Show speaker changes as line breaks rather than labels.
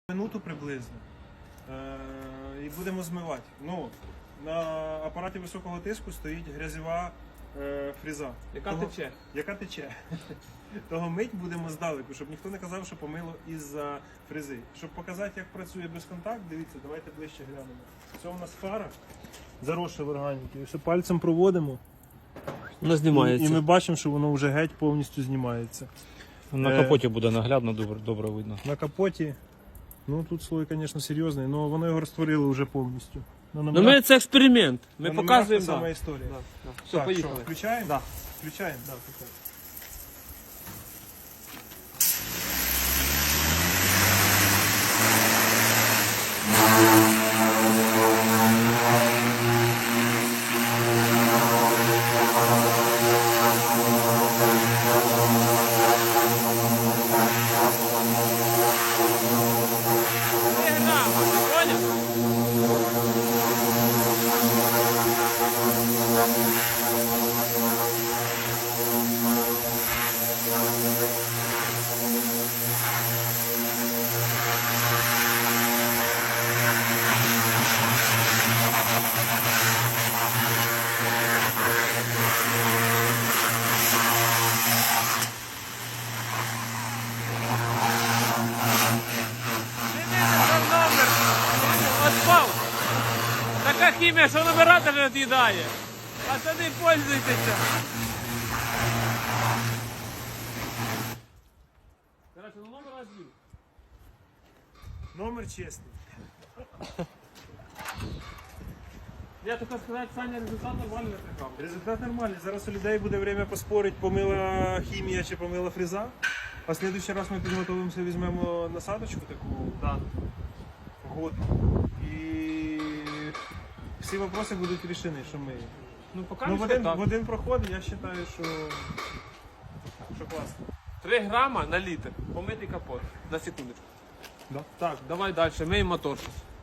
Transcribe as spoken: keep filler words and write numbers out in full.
Минуту приблизно. Е, і будемо змивати. Ну, на апараті високого тиску стоїть грязьова е, фреза.
Яка
Того-
тече?
Яка тече. Того мить будемо здалеку, щоб ніхто не казав, що помило із-за фрези. Щоб показати, як працює безконтакт, дивіться, давайте ближче глянемо. Це у нас фара, заросша в органіки. Ось пальцем проводимо.
Воно
І,
знімається.
і ми бачимо, що воно вже геть повністю знімається.
На
Е,
капоті буде наглядно, добре, добре видно.
На капоті, ну тут слой, звісно, серйозний, але воно його розтворило вже повністю. На
Ну
номерах-
ми це експеримент. Ми
на номерах
показуємо.
та сама
Да.
історія.
Да, да. Все,
Так,
поїхали.
що, включаємо?
Да.
Включаємо? Да, включаємо.
Три грама, ти поняв? Номер отпав. Така хімія, що номера не від'їдає. Пацани, пользуйтеся. Короче, ну номер один.
Номер чесний.
Я хотів сказати, Саня, результат нормальний напрягав.
Результат нормальний. Зараз у людей буде время поспорити, помила хімія чи помила фреза. А в следующий раз ми підготовимося, візьмемо насадочку таку
Да.
год. І всі вопроси будуть рішені, що ми.
Ну, поки
Ну, в
що
один,
так.
в один проход я вважаю, що, що класно.
три грама на літр. Помитий капот. На секундочку.
Да.
Так, давай далі. Мий мотор щось.